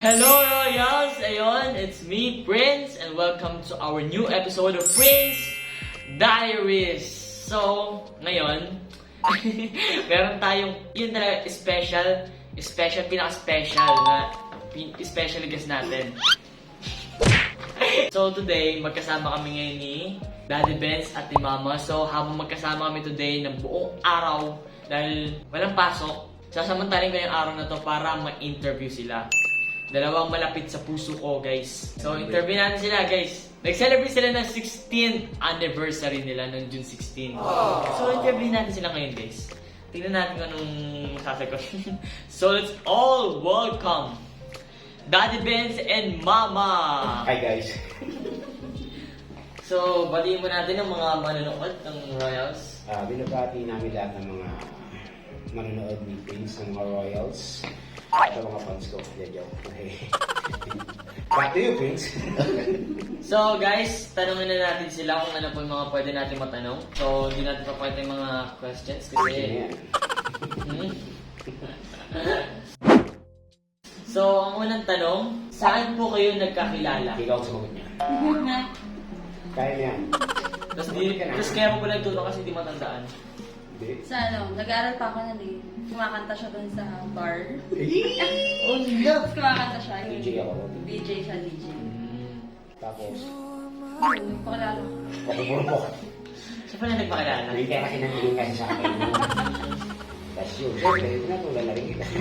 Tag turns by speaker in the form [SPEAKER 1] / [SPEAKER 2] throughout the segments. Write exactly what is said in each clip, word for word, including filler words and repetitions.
[SPEAKER 1] Hello Royals! Ayun, it's me, Prince, and welcome to our new episode of Prince Diaries. So, ngayon, meron tayong, yun talaga, special, special, pinaka-special na, special guest natin. So today, magkasama kami ngayon ni Daddy Benz at ni Mama. So habang magkasama kami today ng buong araw, dahil walang pasok, sasamantalin ko yung araw na to para ma-interview sila. Dalawang malapit sa puso ko, guys. So interview natin sila, guys. Nag-celebrate sila ng sixteenth anniversary nila noong June sixteenth. So interview natin sila ngayon, guys. Tingnan natin kung anong sasagot. So let's all welcome Daddy Benz and Mama!
[SPEAKER 2] Hi guys!
[SPEAKER 1] So, batiin mo natin ang mga manonood ng Royals.
[SPEAKER 2] Uh, binabati namin lahat ng mga manonood ni Prince ng mga Royals. At ang mga fans ko. Yeah, joke. Okay. Back to you, Prince!
[SPEAKER 1] So guys, tanongin na natin sila kung ano po yung mga pwede natin matanong. So, hindi natin papakita yung mga questions kasi... Hmm? So, ang unang tanong, saan po kayo nagkakilala?
[SPEAKER 2] Ikaw sumagot niya. Kaya niya.
[SPEAKER 1] Tapos, di, tapos kaya mo pala tutong kasi di matandaan.
[SPEAKER 2] Hindi.
[SPEAKER 3] Sa ano, nag-aaral pa ako nun eh. Kumakanta siya dun sa bar.
[SPEAKER 1] Oh, love!
[SPEAKER 3] Tapos kumakanta siya.
[SPEAKER 2] D J ako.
[SPEAKER 3] D J siya, D J.
[SPEAKER 2] Tapos,
[SPEAKER 3] Ayun, pakilala.
[SPEAKER 2] pakipurpok.
[SPEAKER 1] Siya pala nagpakilala.
[SPEAKER 2] Hindi kaya kasi nangyayang kasi sa akin. That's yun. Siyempre, pinatulan na rin kita.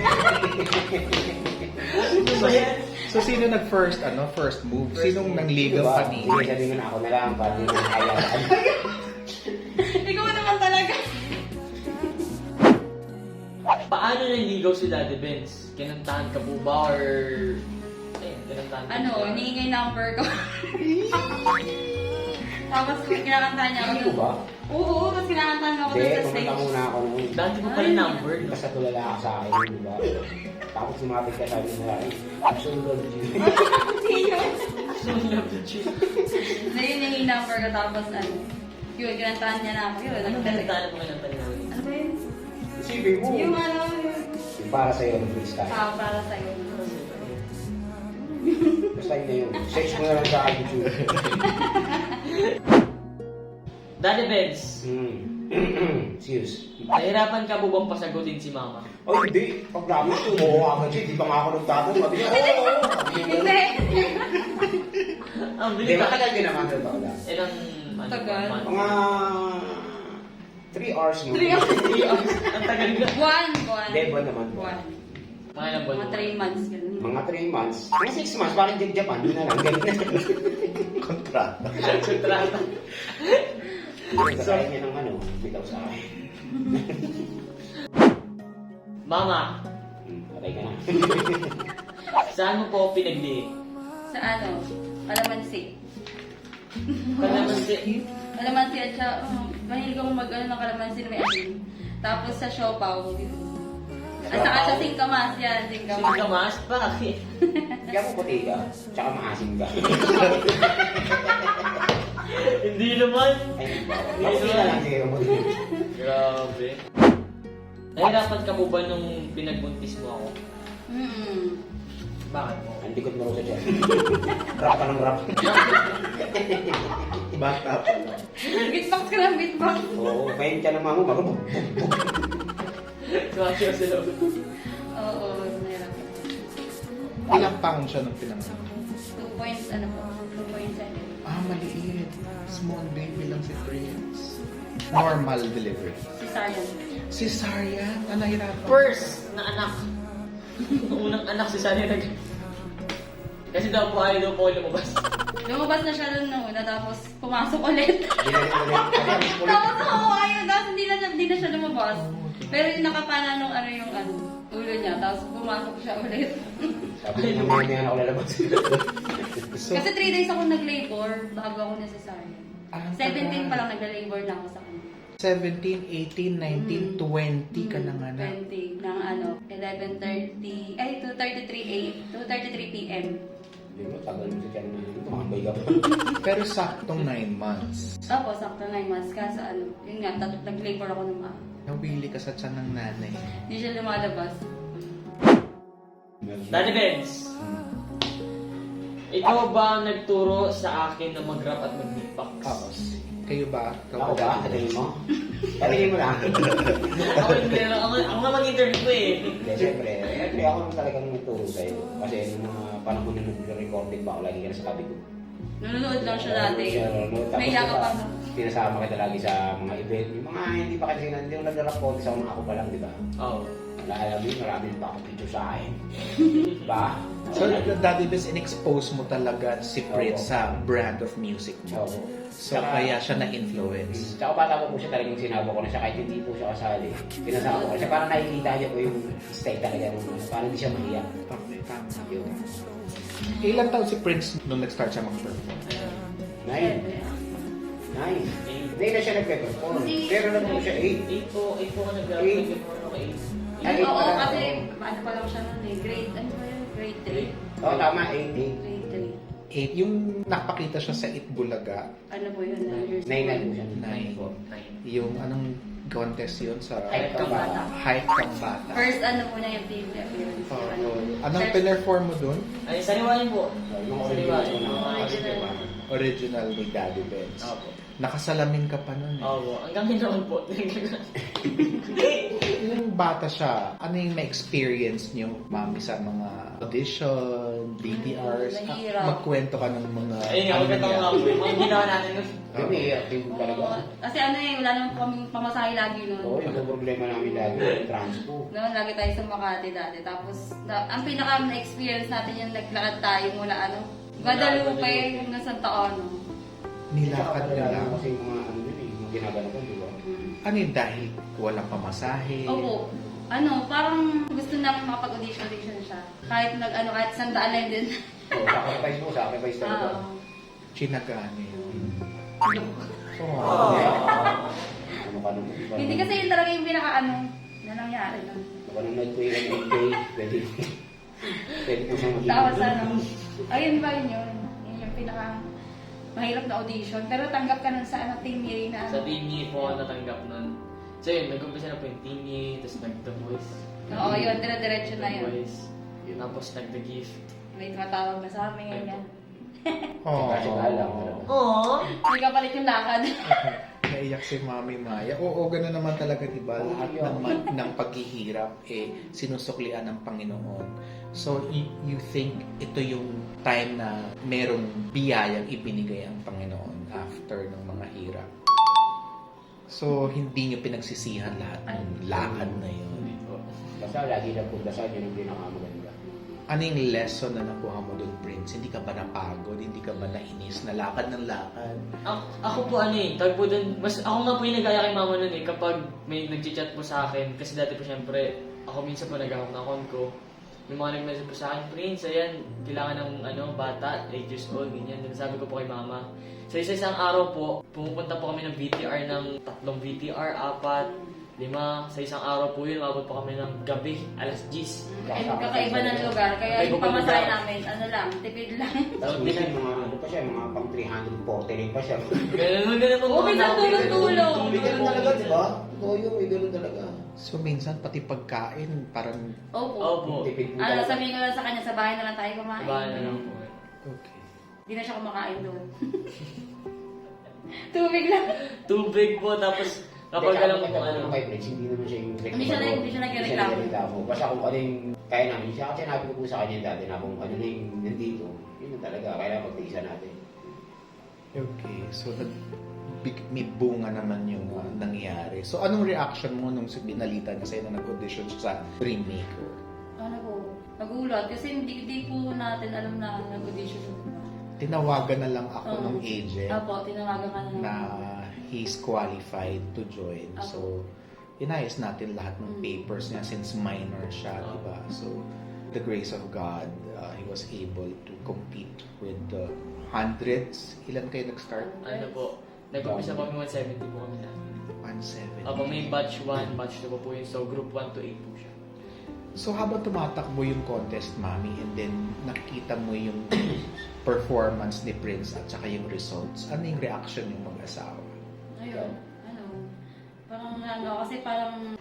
[SPEAKER 1] Ano ba yan?
[SPEAKER 4] So, sino nag-first, ano, first move? Sinong nangligaw
[SPEAKER 2] Diba?
[SPEAKER 4] pa ni?
[SPEAKER 2] Hindi sabihin mo na ako na lang, pati na hayaan.
[SPEAKER 3] Ikaw naman talaga.
[SPEAKER 1] Paano naligaw si Daddy Benz? Kinantahan ka po ba or... Ayun, kinantahan ka
[SPEAKER 3] Ano,
[SPEAKER 1] ba?
[SPEAKER 3] hinihingi number ko. Tapos kinakantahan niya ako.
[SPEAKER 2] Hindi ko ba?
[SPEAKER 3] Oo, tapos kinakantahan niya ako
[SPEAKER 2] Hindi,
[SPEAKER 3] dun sa
[SPEAKER 2] pumunta
[SPEAKER 3] stage.
[SPEAKER 2] muna ako noon.
[SPEAKER 1] Dati mo pala number.
[SPEAKER 2] Basta tulala ka sa akin, di ba? Tapos sumapit ka sabi na rin, absolute love you.
[SPEAKER 3] Sino?
[SPEAKER 1] So, love the chick.
[SPEAKER 3] Na yun hinihingi number ko tapos ano. Yun, kinantahan niya na ako. Yun,
[SPEAKER 1] Anong
[SPEAKER 3] nagdala-
[SPEAKER 1] kinantahan mo kinantahan namin?
[SPEAKER 3] Ano ba yun?
[SPEAKER 2] Sige mo.
[SPEAKER 3] Yung ano, yun.
[SPEAKER 2] Yung para sa'yo, ng freestyle.
[SPEAKER 3] Ah, para sa'yo.
[SPEAKER 2] Basta yun na yun. Search mo na lang sa YouTube.
[SPEAKER 1] Daddy Benz,
[SPEAKER 2] Hmm. Serious.
[SPEAKER 1] nahirapan ka po bang pasagutin si Mama?
[SPEAKER 2] Oh, hindi. Pag namin, tumuho agad siya. Di ba nga ako nagtatanong? Sabi niya, oo, oo.
[SPEAKER 3] Hindi.
[SPEAKER 1] Ang
[SPEAKER 2] Hindi,
[SPEAKER 1] bilis ba?
[SPEAKER 2] matagal din naman. Totoo lang.
[SPEAKER 1] Ilang... ano,
[SPEAKER 3] Tagal.
[SPEAKER 1] month?
[SPEAKER 2] Mga... three hours mo.
[SPEAKER 3] Three hours.
[SPEAKER 1] Three hours. Ang tagal ka.
[SPEAKER 3] One, one.
[SPEAKER 2] Hindi, buwan naman.
[SPEAKER 3] One.
[SPEAKER 1] Mga ilang buwan
[SPEAKER 3] Mga
[SPEAKER 1] mo?
[SPEAKER 3] three months. Ganun.
[SPEAKER 2] Mga three months. Mga six months. Parang Jig Japan. Yun na lang. Ganun na.
[SPEAKER 4] Kontrata.
[SPEAKER 1] Kontrata.
[SPEAKER 2] So, kaya niya ng ano, bitaw sa akin.
[SPEAKER 1] Mama,
[SPEAKER 2] Hmm, patay ka na.
[SPEAKER 1] saan mo po ako pinagli?
[SPEAKER 3] Sa ano? Kalamansi.
[SPEAKER 1] Kalamansi.
[SPEAKER 3] Kalamansi at siya, oh, mahilig akong mag ano ng kalamansi na may asin. Tapos sa siopaw. At saka sa singkamas yan, singkamas.
[SPEAKER 1] Singkamas? Bakit?
[SPEAKER 2] Kaya mo puti ka, tsaka maasim ka.
[SPEAKER 1] Hindi naman.
[SPEAKER 2] Ay, hindi na lang sige kung puti.
[SPEAKER 1] Grabe. Nahirapan ka po ba nung pinagbuntis mo ako?
[SPEAKER 3] Mm-mm.
[SPEAKER 1] Bakit mo?
[SPEAKER 2] Ang likod mo rin sa dyan. Rap ka ng rap.
[SPEAKER 4] Bata pa lang.
[SPEAKER 3] Beatbox ka lang, beatbox.
[SPEAKER 2] Oo, kain ka ng mamo, marunong.
[SPEAKER 1] Sumakyo sa loob.
[SPEAKER 3] Oo, nahirapan.
[SPEAKER 4] Ilang pound siya nung pinanganak?
[SPEAKER 3] Two points, ano po? Two point seven.
[SPEAKER 4] Ah, maliit. Small baby lang si Prince. Normal delivery.
[SPEAKER 3] Cesarean.
[SPEAKER 4] Cesarean? Ah, nahirapan.
[SPEAKER 1] First na anak. Unang anak si Sunny nag... Kasi daw po ayaw daw po lumabas.
[SPEAKER 3] Lumabas na siya dun nung una, tapos pumasok ulit.
[SPEAKER 2] Ginagawa ko ulit. Kasi ang ulit.
[SPEAKER 3] Tapos oo, ayaw, tapos hindi na siya, hindi na siya lumabas. Pero yung nakapana nung ano yung ano, ulo niya, tapos pumasok siya ulit.
[SPEAKER 2] Sabi ko naman niya na ako lalabas.
[SPEAKER 4] So,
[SPEAKER 3] Kasi three days ako nag-labor bago ako na cesarean.
[SPEAKER 4] ah,
[SPEAKER 3] seventeen pa lang nag-labor na ako sa kanya.
[SPEAKER 4] seventeen, eighteen, nineteen, twenty ka na nga na.
[SPEAKER 3] twenty ng ano, eleven thirty, ay two thirty-three a m, two thirty-three p m
[SPEAKER 2] Hindi mo, tagal mo sa tiyan na yun. Tumakambay ka pa.
[SPEAKER 4] Pero saktong nine months.
[SPEAKER 3] Tapos, sakto nine months, kaso ano, yun nga, tat- nag-labor ako ng mga.
[SPEAKER 4] Nawili ka sa tiyan ng nanay.
[SPEAKER 3] Hindi siya lumalabas.
[SPEAKER 1] Daddy Benz, ikaw ba ang nagturo sa akin na mag-rap at mag-beatbox?
[SPEAKER 4] Ako. Kayo ba? Ikaw
[SPEAKER 2] Ako ba? Sabihin mo? Sabihin mo lang.
[SPEAKER 1] ako, hindi lang- ako, ako nga mag-interview ko eh.
[SPEAKER 2] Hindi, siyempre. Siyempre ako naman talagang nagturo sa'yo. Kasi nung mga panahon na nag-recording pa ako, lagi ka na sa tabi ko.
[SPEAKER 3] Nanonood lang siya dati.
[SPEAKER 2] Siya, no? Tapos
[SPEAKER 3] May yakap
[SPEAKER 2] diba,
[SPEAKER 3] pa.
[SPEAKER 2] Sinasama kita lagi sa mga event. Yung mga hindi pa kasi hindi ko nag-rap po. Sa una ako pa lang, di ba?
[SPEAKER 1] Oo.
[SPEAKER 2] Alam mo, marami pa ako picture sa akin. Diba?
[SPEAKER 4] So, Daddy Biz, in-expose mo talaga si Prince
[SPEAKER 2] Oo.
[SPEAKER 4] sa brand of music mo.
[SPEAKER 2] Oo.
[SPEAKER 4] So,
[SPEAKER 2] Saka-
[SPEAKER 4] kaya siya na-influence.
[SPEAKER 2] Tsaka bata ko po siya talagang sinabo ko na siya kahit hindi po siya kasali. Pinasama ko siya para nakikita niya po yung style talaga nung ano. Para hindi siya mahiyak.
[SPEAKER 4] Okay, tama.
[SPEAKER 2] Yun.
[SPEAKER 4] Ilan taon si Prince nung nag-start siya mag-perform?
[SPEAKER 2] Nine. Nine. Hindi na siya nagpe-perform.
[SPEAKER 3] Hindi.
[SPEAKER 2] Pero na po siya eight.
[SPEAKER 1] eight po, eight po ka nag-rap.
[SPEAKER 2] Eight.
[SPEAKER 1] Nag-perform ako eight.
[SPEAKER 2] Ay,
[SPEAKER 3] Oo,
[SPEAKER 2] parang-
[SPEAKER 3] kasi ano pa lang siya nun eh. Grade, ano ba yun? Grade three.
[SPEAKER 2] Oo, tama. Eight. Eight.
[SPEAKER 3] Grade three.
[SPEAKER 4] Eight. Yung nakapakita siya sa Itbulaga,
[SPEAKER 3] Ano po yun? nine years
[SPEAKER 2] Nine na
[SPEAKER 3] old.
[SPEAKER 2] po siya.
[SPEAKER 4] nine.
[SPEAKER 1] Nine.
[SPEAKER 4] Yung anong contest yun sa
[SPEAKER 3] Hype kang bata.
[SPEAKER 4] Hype kang bata.
[SPEAKER 3] First ano po niya yung T V appearance.
[SPEAKER 4] Oo.
[SPEAKER 3] Ano,
[SPEAKER 4] Anong
[SPEAKER 3] first-
[SPEAKER 4] pinerform mo dun?
[SPEAKER 1] Ay, sariwain po.
[SPEAKER 2] Yung
[SPEAKER 1] Sariwain.
[SPEAKER 2] original ko na.
[SPEAKER 3] Original.
[SPEAKER 4] Original ni Daddy Benz.
[SPEAKER 1] Opo.
[SPEAKER 4] Nakasalamin ka pa nun eh.
[SPEAKER 1] Opo. Hanggang ginawan po.
[SPEAKER 4] Yung bata siya, ano yung na-experience niyo, mami, sa mga audition, B T Rs?
[SPEAKER 3] Hmm, mahirap.
[SPEAKER 4] Ah, magkwento ka ng mga...
[SPEAKER 1] Ayun nga, maganda ko nga po. Yung mga ginawa natin nun.
[SPEAKER 2] Yun eh, active
[SPEAKER 3] Oo,
[SPEAKER 2] talaga.
[SPEAKER 3] kasi ano eh, wala naman kami pamasahe lagi nun.
[SPEAKER 2] Oo, yung problema namin lagi. Yung transpo.
[SPEAKER 3] Noon, lagi tayo sa Makati dati. Tapos, na, ang pinaka na-experience natin yung naglakad tayo mula ano, Guadalupe
[SPEAKER 1] Guadalupe.
[SPEAKER 3] hanggang Santa Ana.
[SPEAKER 4] Nilakad nila.
[SPEAKER 2] Tsaka kasi yung mga ano yun eh, yung mga ginagano ko, di ba?
[SPEAKER 4] Ano yun, dahil walang pamasahe?
[SPEAKER 3] Opo. Ano, parang gusto namin makapag-audition-audition siya. Kahit nag, ano, kahit sandaan lang din.
[SPEAKER 2] Oo, sacrifice mo, sacrifice talaga.
[SPEAKER 3] Oo.
[SPEAKER 4] Chinagaan yun.
[SPEAKER 3] Oh.
[SPEAKER 4] Oh.
[SPEAKER 2] Ano ka nung...
[SPEAKER 3] Hindi kasi yun talaga yung pinaka ano, na nangyari nun.
[SPEAKER 2] Baka nung nag-play ng M J, pwede. Pwede po siyang maging...
[SPEAKER 3] Tapos ano, ayun ba yun yun? Yun yung pinaka mahirap na audition. Pero tanggap ka nun sa ano, Team Yay na
[SPEAKER 1] Sa
[SPEAKER 3] ano.
[SPEAKER 1] team niya po ako natanggap nun. So yun, nag-umpisa na po yung team niya, tapos nag-The Voice.
[SPEAKER 3] Oo, yun, dire-diretso na
[SPEAKER 1] The
[SPEAKER 3] yun.
[SPEAKER 1] Voice. Tapos nag-The Gift.
[SPEAKER 3] May tumatawag na sa amin, ganyan.
[SPEAKER 4] Oh.
[SPEAKER 2] Kasi lang talaga.
[SPEAKER 1] Aww!
[SPEAKER 3] Hindi ka palit yung lakad.
[SPEAKER 4] Naiyak si Mami Maya. Oo, gano'n naman talaga, diba? Lahat ng, man- ng paghihirap, eh, sinusuklian ng Panginoon. So, y- you think ito yung time na merong biyayang ibinigay ang Panginoon after ng mga hirap. So, hindi nyo pinagsisihan lahat ng lakad na yun.
[SPEAKER 2] Basta lagi lang po dasal, yun yung pinakamaganda.
[SPEAKER 4] Ano yung lesson na nakuha mo doon, Prince? Hindi ka ba napagod? Hindi ka ba nainis na lakad ng lakad?
[SPEAKER 1] Ako, ako po ano eh, tawag po dun, mas ako nga po yung nag-aya kay mama nun eh, kapag may nag-chat po sa akin, kasi dati po syempre, ako minsan po nag-ahok ng account ko, may mga nag-message po sa akin, Prince, ayan, kailangan ng ano, bata, eight years old, ganyan, then sabi ko po kay mama. So isa isang araw po, pumupunta po kami ng V T R ng tatlong V T R, apat, lima, sa isang araw po yun, mabot po kami ng gabi, alas diyes.
[SPEAKER 3] And kakaiba ng lugar, kaya yung
[SPEAKER 1] Kakaiba
[SPEAKER 3] pamasahe
[SPEAKER 1] lugar.
[SPEAKER 3] namin, ano lang, tipid lang.
[SPEAKER 2] Tapos minsan mga ano pa siya, mga pang three forty rin pa siya.
[SPEAKER 1] Ganun, ganun po.
[SPEAKER 3] Oo, minsan tulong-tulong.
[SPEAKER 2] May ganun talaga, di ba? Totoo yun, may ganun talaga.
[SPEAKER 4] So, minsan pati pagkain, parang...
[SPEAKER 3] Opo.
[SPEAKER 1] Opo.
[SPEAKER 2] Tipid po
[SPEAKER 3] Ano,
[SPEAKER 2] talaga.
[SPEAKER 3] sabihin ko lang sa kanya, sa bahay na lang tayo kumain.
[SPEAKER 1] Bahay na lang po.
[SPEAKER 4] Okay.
[SPEAKER 3] Hindi na siya kumakain doon. Tubig lang.
[SPEAKER 1] Tubig po, tapos kapag alam mo kung ano.
[SPEAKER 2] Kay Prince, hindi naman siya yung
[SPEAKER 3] Hindi siya na- hindi siya nagreklamo.
[SPEAKER 2] nagreklamo. Basta kung ano yung kaya namin siya, kasi sinabi ko po sa kanya dati na kung ano na yung nandito, yun na talaga, kailangan magtiisa natin.
[SPEAKER 4] Okay, so nag big- may bunga naman yung uh, nangyari. So anong reaction mo nung binalita niya sa'yo na nag-audition siya sa Dreammaker?
[SPEAKER 3] Ano po, nagulat. Kasi hindi, hindi po natin alam na nag-audition siya.
[SPEAKER 4] Tinawagan na lang ako
[SPEAKER 3] Oo.
[SPEAKER 4] ng agent
[SPEAKER 3] Opo, tinawagan ka na.
[SPEAKER 4] na he's qualified to join.
[SPEAKER 3] Opo.
[SPEAKER 4] So, inayos natin lahat ng
[SPEAKER 3] Mm.
[SPEAKER 4] papers niya since minor siya,
[SPEAKER 1] Oo.
[SPEAKER 4] diba? So, the grace of God, uh, he was able to compete with the hundreds. Ilan kayo nag-start?
[SPEAKER 1] Ano po, nag-umpisa po kami one seventy po kami na.
[SPEAKER 4] one seventy.
[SPEAKER 1] Apo may batch one, batch two po po yun. So group one to eight po siya.
[SPEAKER 4] So habang tumatakbo yung contest, Mami, and then nakita mo yung performance ni Prince at saka yung results, ano yung reaction yung mag-asawa?
[SPEAKER 3] Ayun, ano, parang ano, kasi parang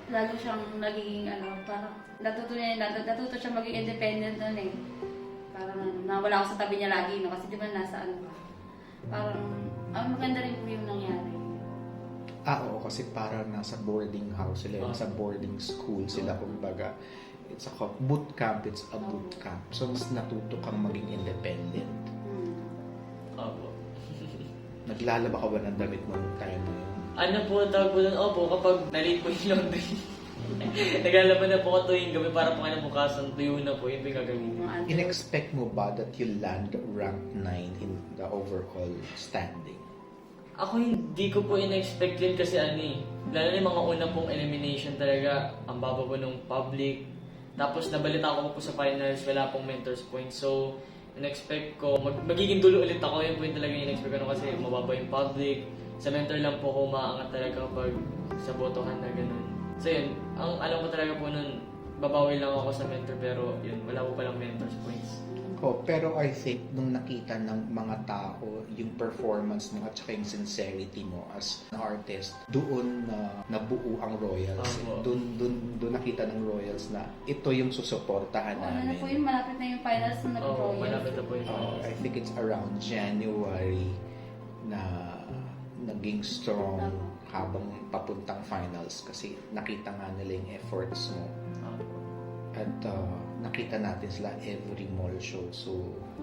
[SPEAKER 3] lalo siyang nagiging ano, parang natuto niya, nat- natuto siya maging independent nun eh. Parang ano, nawala ako sa tabi niya lagi, no? Kasi di ba nasa ano ka. Parang, ang maganda rin po yung nangyari.
[SPEAKER 4] Ah, oo, kasi parang nasa boarding house sila, nasa boarding school sila, kumbaga. It's a co- boot camp, it's a boot camp. So, mas natuto kang maging independent.
[SPEAKER 3] Hmm.
[SPEAKER 1] Opo.
[SPEAKER 4] Naglalaba ka ba ng damit mo nung time na yun?
[SPEAKER 1] Ano po, tawag po doon, opo, kapag nalit po yung laundry. Naglalaban na po ako tuwing gabi para po kayo bukasan, tuyo na po, yun po yung gagawin.
[SPEAKER 3] Mga ano.
[SPEAKER 4] In-expect mo ba that you'll land rank nine in the overall standing?
[SPEAKER 1] Ako hindi ko po in-expect yun kasi ano eh. Lalo na yung mga una pong elimination talaga, ang baba po nung public. Tapos nabalita ko po sa finals, wala pong mentors points. So, in-expect ko, mag magiging dulo ulit ako. Yun po yung talaga in-expect ko no, kasi mababa yung public. Sa mentor lang po ako maangat talaga kapag sa botohan na ganun. So yun, ang alam ko talaga po nun, babawi lang ako sa mentor pero yun, wala po palang mentors points.
[SPEAKER 4] Oh, pero I think nung nakita ng mga tao yung performance mo at saka yung sincerity mo as an artist, doon na nabuo ang Royals.
[SPEAKER 1] Opo.
[SPEAKER 4] Doon doon doon nakita ng Royals na ito yung susuportahan
[SPEAKER 3] Ano na
[SPEAKER 4] namin.
[SPEAKER 3] po yung malapit na yung finals na
[SPEAKER 1] Oo,
[SPEAKER 3] nag-royal.
[SPEAKER 1] malapit na po yung
[SPEAKER 4] Oh,
[SPEAKER 1] finals.
[SPEAKER 4] I think it's around January na naging strong habang papuntang finals kasi nakita nga nila yung efforts mo.
[SPEAKER 1] Opo.
[SPEAKER 4] At uh, nakita natin sila every mall show. So,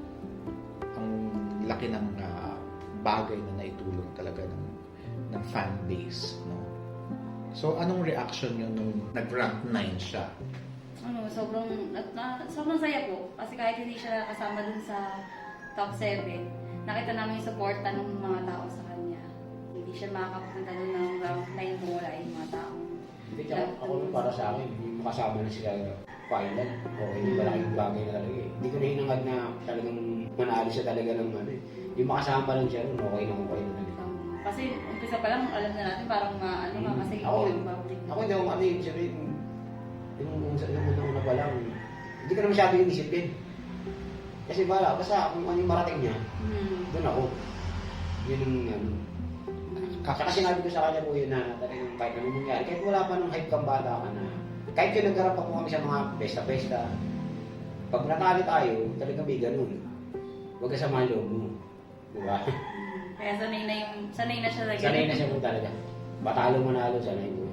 [SPEAKER 4] ang laki ng uh, bagay na naitulong talaga ng, ng fan base. No? So, anong reaction nyo nung nag-rank nine siya?
[SPEAKER 3] Ano, sobrang, at, na, sobrang saya po. Kasi kahit hindi siya kasama dun sa top seven, nakita namin yung suporta ng mga tao sa kanya. Hindi siya makakapunta dun ng rank nine kung wala yung mga tao.
[SPEAKER 2] Hindi, tsaka ako nun para sa akin, yung makasama na sila final, okay, yung malaking bagay na talaga eh. Hindi ko na hinangad na talagang manalo siya talaga ng ano eh. Yung makasama pa lang siya nun, okay na okay na talaga.
[SPEAKER 3] Um, kasi umpisa pa lang, alam na natin parang ma, ano,
[SPEAKER 2] Hmm.
[SPEAKER 3] mamasig
[SPEAKER 2] Ako,
[SPEAKER 3] yung public.
[SPEAKER 2] Ako hindi ako ano yung sabihin, yung yung yung una pa lang, hindi ko na masyado yung discipline. Kasi bala, basta kung ano yung marating niya,
[SPEAKER 3] Hmm.
[SPEAKER 2] doon ako. Yun yung ano. Tsaka sinabi ko sa kanya po yun na talagang kahit anong mangyari, kahit wala pa nung hype kang bata ka na, kahit yung nagkarap pa po kami sa mga pesta-pesta, pag natalo tayo, talagang may ganun. Huwag ka sa loob mo. Diba?
[SPEAKER 3] Hmm. Kaya sanay na yung, sanay na siya lagi.
[SPEAKER 2] Sanay na siya po talaga. Batalo manalo, sanay po.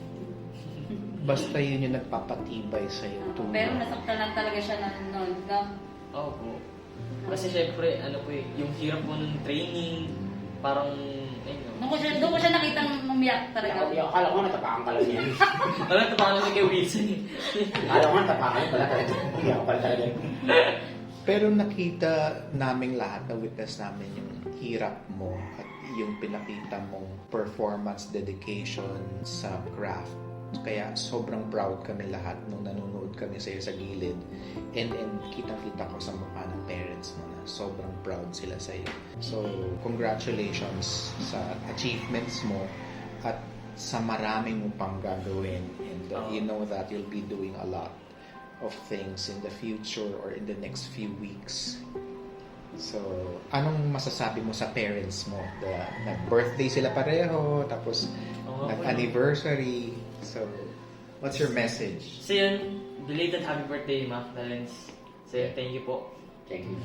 [SPEAKER 4] Basta yun yung nagpapatibay sa'yo.
[SPEAKER 3] Oo,
[SPEAKER 4] to-
[SPEAKER 3] pero nasaktan lang talaga siya ng noon. No?
[SPEAKER 1] Opo. Kasi syempre, ano po eh, yung hirap po ng training, parang, ayun no.
[SPEAKER 3] Doon ko siya, doon ko siya nakitang umiyak talaga.
[SPEAKER 2] Ako, akala ko natapakan ka lang niya.
[SPEAKER 1] Wala, tapakan kasi kay Wilson eh.
[SPEAKER 2] Akala ko natapakan pala talaga. Hindi ako pala talaga.
[SPEAKER 4] Pero nakita naming lahat, na witness namin yung hirap mo at yung pinakita mong performance, dedication sa craft. Kaya sobrang proud kami lahat nung nanonood kami sa'yo sa gilid. And, and kitang-kita ko sa mukha ng parents mo na sobrang proud sila sa'yo. So, congratulations sa achievements mo at sa maraming mo pang gagawin. And uh, you know that you'll be doing a lot of things in the future or in the next few weeks. So, anong masasabi mo sa parents mo? The, nag-birthday sila pareho, tapos
[SPEAKER 1] Oo nga po,
[SPEAKER 4] nag-anniversary. So, what's your message?
[SPEAKER 1] So yun, belated happy birthday, Ma Valens. So yun, thank you po.
[SPEAKER 2] Thank you.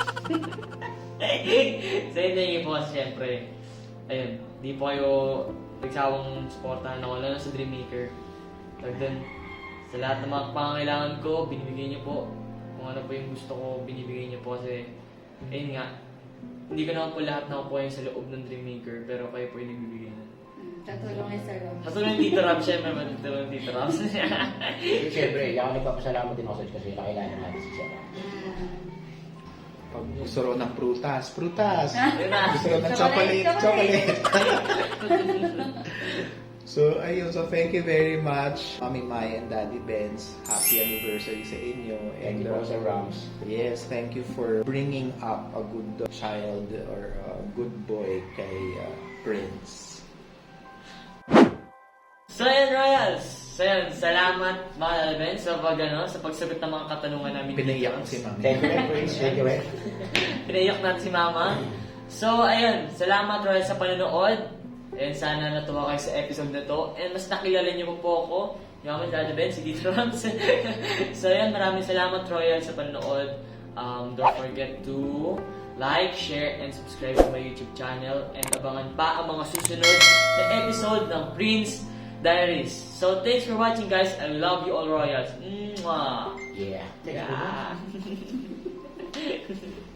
[SPEAKER 1] So yun, thank you po kasi syempre, ayun, di po kayo nagsawang supportahan ako, lalo sa Dreammaker. Tag dun, sa lahat ng mga pangangailangan ko, binibigay niyo po. Kung ano po yung gusto ko, binibigay niyo po kasi, ayun nga, hindi ko naman po lahat nakukuha yung sa loob ng Dreammaker, pero kayo po yung nagbibigay na.
[SPEAKER 3] Hmm, Katulong ni Sir Rob.
[SPEAKER 1] Katulad ng Tito Rob, syempre, matutulong ng Tito Rob.
[SPEAKER 2] Siyempre, ako nagpapasalamat din ako sa kasi nakilala natin si Sarah.
[SPEAKER 3] Hmm.
[SPEAKER 4] Pag gusto ro ng prutas, prutas!
[SPEAKER 1] Ayun na.
[SPEAKER 4] Gusto ro ng
[SPEAKER 3] Chocolate,
[SPEAKER 4] chocolate, chocolate! So, ayun. So, thank you very much, Mami Mai and Daddy Benz. Happy anniversary sa inyo.
[SPEAKER 2] Thank you po,
[SPEAKER 4] uh,
[SPEAKER 2] Sir Rams.
[SPEAKER 4] Yes, thank you for bringing up a good child or a good boy kay uh, Prince.
[SPEAKER 1] So yun, Royals! So yun, salamat mga Alben sa pag, ano, sa pagsagot ng mga katanungan namin.
[SPEAKER 4] Pinaiyak
[SPEAKER 1] dito.
[SPEAKER 4] si Mami.
[SPEAKER 2] Thank you, Prince. Thank you, eh.
[SPEAKER 1] Pinaiyak natin si Mama. So ayun, salamat Royals sa panonood. And sana natuwa kayo sa episode na to. And mas nakilala niyo pa po ako. Yung ako, Daddy Ben, si Dito Rams. So yan, maraming salamat Royal sa panonood. Um, don't forget to like, share, and subscribe to my YouTube channel. And abangan pa ang mga susunod na episode ng Prince Diaries. So thanks for watching guys. I love you all Royals. Mwah!
[SPEAKER 2] Yeah.
[SPEAKER 1] Yeah.